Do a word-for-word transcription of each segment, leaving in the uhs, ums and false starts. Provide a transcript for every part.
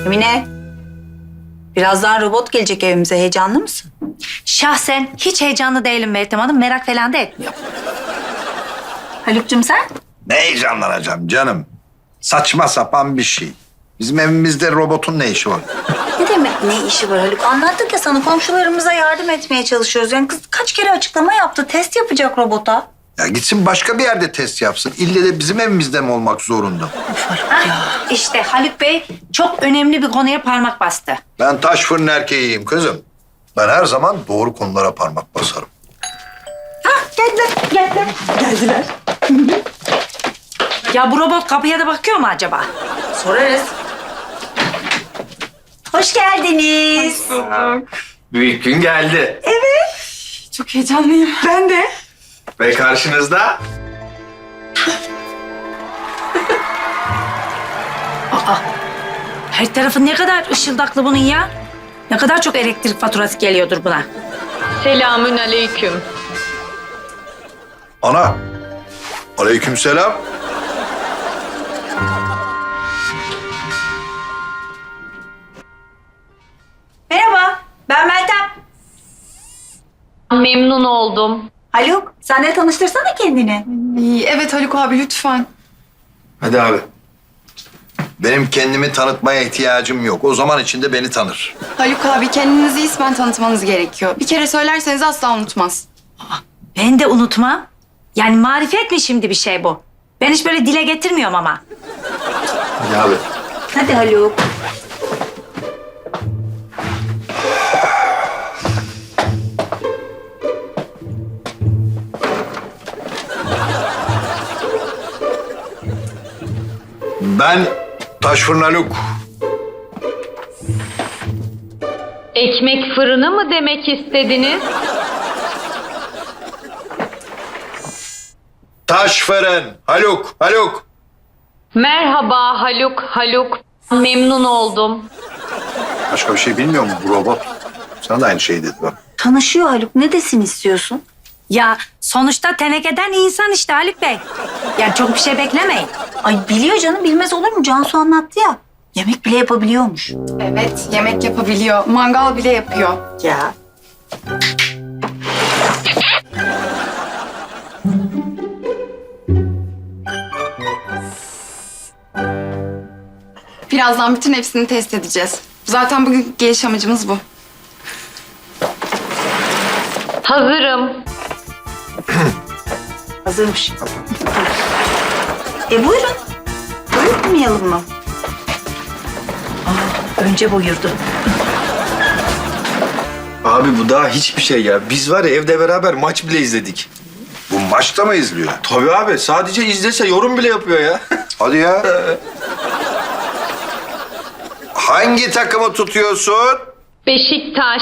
Emine, birazdan robot gelecek evimize. Heyecanlı mısın? Şahsen hiç heyecanlı değilim Meltem Hanım. Merak falan da etmiyorum. Haluk'cum sen? Ne heyecanlanacağım canım? Saçma sapan bir şey. Bizim evimizde robotun ne işi var? Ne demek ne işi var Haluk? Anlattık ya sana, komşularımıza yardım etmeye çalışıyoruz. Yani kız kaç kere açıklama yaptı. Test yapacak robota. Ya gitsin başka bir yerde test yapsın. İlle de bizim evimizde mi olmak zorunda? Hah, işte Haluk Bey çok önemli bir konuya parmak bastı. Ben taş fırın erkeğiyim kızım. Ben her zaman doğru konulara parmak basarım. Geldiler, geldiler. Geldiler. Ya bu robot kapıya da bakıyor mu acaba? Sorarız. Hoş geldiniz. Büyük gün geldi. Çok heyecanlıyım. Ben de. Ve karşınızda Her tarafı ne kadar ışıldaklı bunun ya. Ne kadar çok elektrik faturası geliyordur buna. Selamün aleyküm. Ana. Aleykümselam. Merhaba, ben Meltem. Memnun oldum. Haluk, sen de tanıştırsana kendini. Evet Haluk abi lütfen. hadi abi. Benim kendimi tanıtmaya ihtiyacım yok. O zaman içinde beni tanır. Haluk abi kendinizi ismen tanıtmanız gerekiyor. Bir kere söylerseniz asla unutmaz. Ben de unutmam. Yani marifet mi şimdi bir şey bu? Ben hiç böyle dile getirmiyorum ama. Hadi abi. Hadi Haluk. Ben taş fırın Haluk. Ekmek fırını mı demek istediniz? Taş fırın Haluk. Haluk. Merhaba Haluk, Haluk. Memnun oldum. Başka bir şey bilmiyor mu bu robot? Sana da aynı şeyi dedi bak. Tanışıyor Haluk. Ne desin istiyorsun? Ya sonuçta tenekeden insan işte Haluk Bey. Yani çok bir şey beklemeyin. Ay biliyor canım, bilmez olur mu? Cansu anlattı ya. Yemek bile yapabiliyormuş. Evet yemek yapabiliyor. Mangal bile yapıyor. Ya. Birazdan bütün hepsini test edeceğiz. Zaten bugün geliş amacımız bu. Hazırım. Hazırmış. e buyurun. Buyurmayalım mı? Önce buyurdu. Abi bu daha hiçbir şey ya. Biz var ya evde beraber maç bile izledik. Bu maçta mı izliyor? Tabii abi sadece izlese yorum bile yapıyor ya. Hadi ya. Hangi takımı tutuyorsun? Beşiktaş.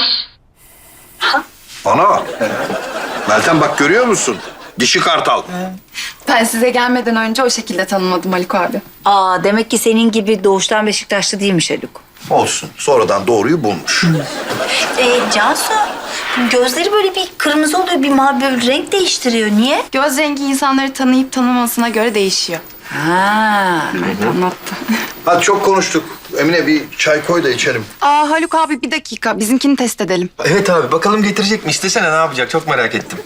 Ana. Meltem bak görüyor musun? Dişi kartal. Ben size gelmeden önce o şekilde tanımadım Haluk abi. Aa, demek ki senin gibi doğuştan Beşiktaşlı değilmiş Haluk. Olsun. Sonradan doğruyu bulmuş. Ee, Cansu, gözleri böyle bir kırmızı oluyor, bir mavi, böyle renk değiştiriyor. Niye? Göz rengi insanları tanıyıp tanımasına göre değişiyor. Ha. Evet anlattı. Hadi çok konuştuk. Emine bir çay koy da içelim. Aa Haluk abi bir dakika bizimkini test edelim. Evet abi bakalım getirecek mi? İstesene ne yapacak? Çok merak ettim.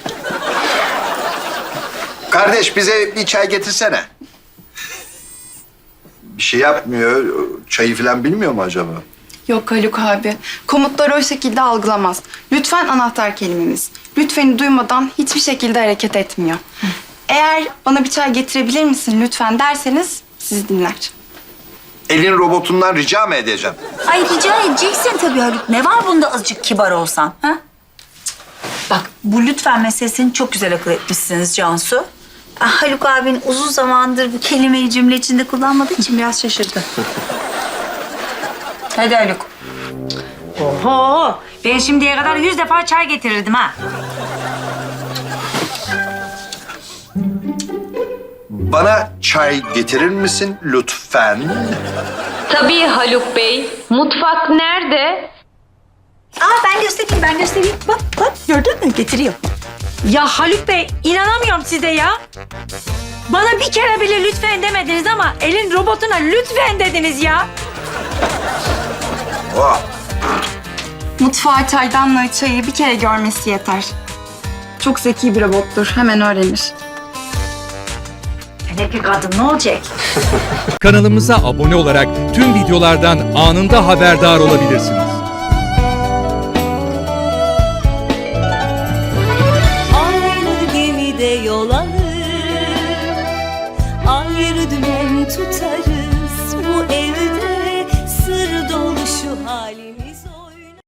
Kardeş bize bir çay getirsene. Bir şey yapmıyor. Çayı falan bilmiyor mu acaba? Yok Haluk abi. Komutları o şekilde algılamaz. Lütfen anahtar kelimemiz. Lütfeni duymadan hiçbir şekilde hareket etmiyor. Eğer bana bir çay getirebilir misin lütfen derseniz sizi dinler. Elin robotundan rica mı edeceğim? Ay rica edeceksin tabii Haluk. Ne var bunda azıcık kibar olsan? Ha? Bak bu lütfen meselesini çok güzel akıl etmişsiniz Cansu. Ah, Haluk abin uzun zamandır bu kelimeyi cümle içinde kullanmadığı için biraz şaşırdı. Hadi Haluk. Oho! Ben şimdiye kadar yüz defa çay getirirdim ha. Bana çay getirir misin lütfen? Tabii Haluk Bey. Mutfak nerede? Aa, ben göstereyim, ben göstereyim. Bak, bak gördün mü? Getiriyor. Ya Haluk Bey inanamıyorum size ya. Bana bir kere bile lütfen demediniz ama elin robotuna lütfen dediniz ya. Oh. Mutfağı, çaydanlığı, çayı bir kere görmesi yeter. Çok zeki bir robottur. Hemen öğrenir. Hele bir kadın ne olacak? Kanalımıza abone olarak tüm videolardan anında haberdar olabilirsiniz. Aynı gemide yol alır, ayrı dümen tutarız. Bu evde sır dolu şu halimiz.